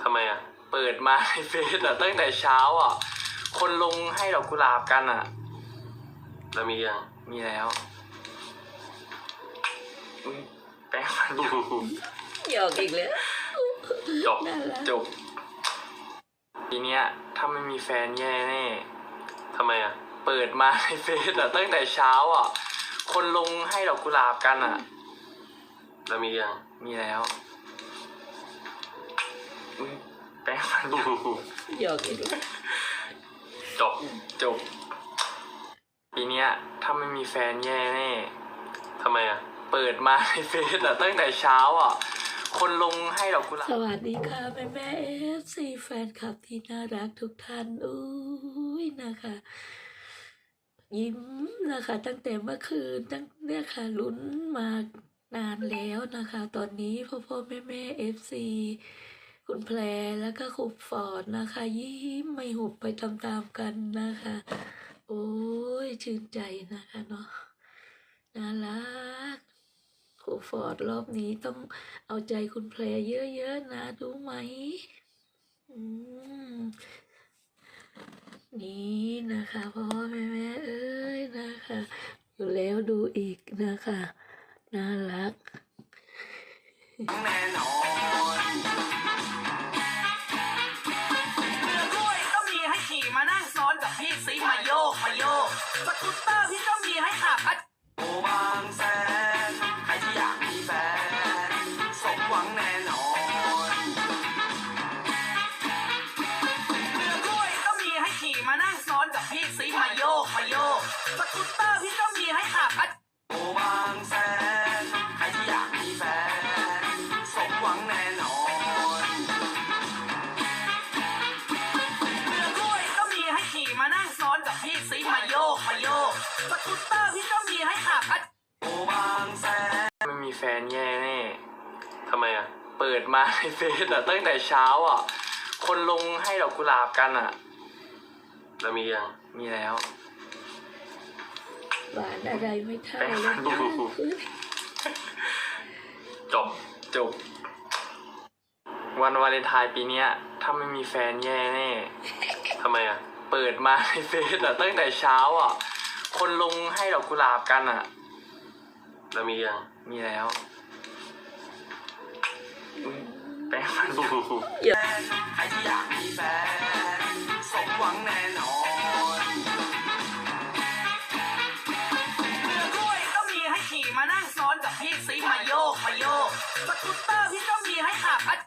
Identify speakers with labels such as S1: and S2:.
S1: ทำไมอ่ะ
S2: เปิดมาในเฟซอะตั้งแต่เช้าอ่ะคนลงให้ดอกกุหลาบกันอ่ะ
S1: แล้วมียัง
S2: มีแล้วแป้งฟันอยู่
S3: หยอกอีกแล้ว
S1: จบ
S3: น่ารัก
S2: จบทีเนี้ยถ้าไม่มีแฟนแย่แน่
S1: ทำไมอ่ะ
S2: เปิดมาในเฟซอะตั้งแต่เช้าอ่ะคนลงให้ดอกกุหลาบกันอ่ะ
S1: แล้วมียัง
S2: มีแล้วแป้งฟันอยู่
S3: หยอกอีกแล้ว
S1: จบ
S2: จบทีเนี้ยถ้าไม่มีแฟนแย่แน่
S1: ทำไมอ่ะ
S2: เปิดมาในเฟซอะตั้งแต่เช้าอ่ะคนลงให้ดอกกุหลาบ
S3: สวัสดีค่ะแม่แม่FC แฟนคลับที่น่ารักทุกท่านอุ้ยนะคะ ยิ้มนะคะ ตั้งแต่เมื่อคืนตั้งเนี่ยค่ะลุ้นมานานแล้วนะคะ ตอนนี้พ่อแม่FC คุณแพรแล้วก็ครูฟอร์ดนะคะ ยิ้มไม่หุบไปตามๆกันนะคะ โอ้ยชื่นใจนะคะเนาะน่ารักครูฟอร์ดรอบนี้ต้องเอาใจคุณแพรเยอะๆนะรู้ไหมนี่นะคะพ่อแม่เอ้ยนะคะอยู่แล้วดูอีกนะคะน่ารัก
S4: แน่นอนเรือกล้วยก็มีให้ขี่มานั่งซ้อนกับพี่ซีมาโยกสกูตเตอร์พี่ก็มีให้ขับโอบางแสนใครที่อยากมีแฟนสมหวังแน่นอนเรือกล้วยก็มีให้ขี่มานั่งซ้อนกับพี่ซีมาโยกสกูตเตอร์พี่ก็มีให้ขับโอบางแสนใครที่อยากมีแฟนสมหวังแน่นอนเรือกล้วยก็มีให้ขี่มานั่งซ้อนกับพี่ซีมาโยกสกูตเตอร์พี่ก็มีให้ขับโอบางแสน
S2: ไม่มีแฟนแย่แน่
S1: ทำไมอ่ะ
S2: เปิดมาในเฟซอะตั้งแต่เช้าอ่ะคนลงให้ดอกกุหลาบกันอ่ะ
S1: แล้วมียัง
S2: มีแล้ว
S3: หวานอะไรไม่เท่า
S2: แป้ง
S3: เล
S2: ฟั
S3: ย
S2: นอยู่
S1: จบ
S2: จบวันวาเลนไทน์ปีเนี้ยถ้าไม่มีแฟนแย่แน่
S1: ทำไมอ่ะ
S2: เปิดมาในเฟซอะตั้งแต่เช้าอ่ะคนลงให้ดอกกุหลาบกันอ่ะ
S1: แล้วมียัง
S2: มีแล้วแป้งฟันอยู่
S4: ใครที่อยากมีแฟนสมหวังแน่นอนเรือกล้วยก็มีให้ขี่มานั่งซ้อนกับพี่ซีมาโยกสกูตเตอร์พี่ก็มีให้ขับ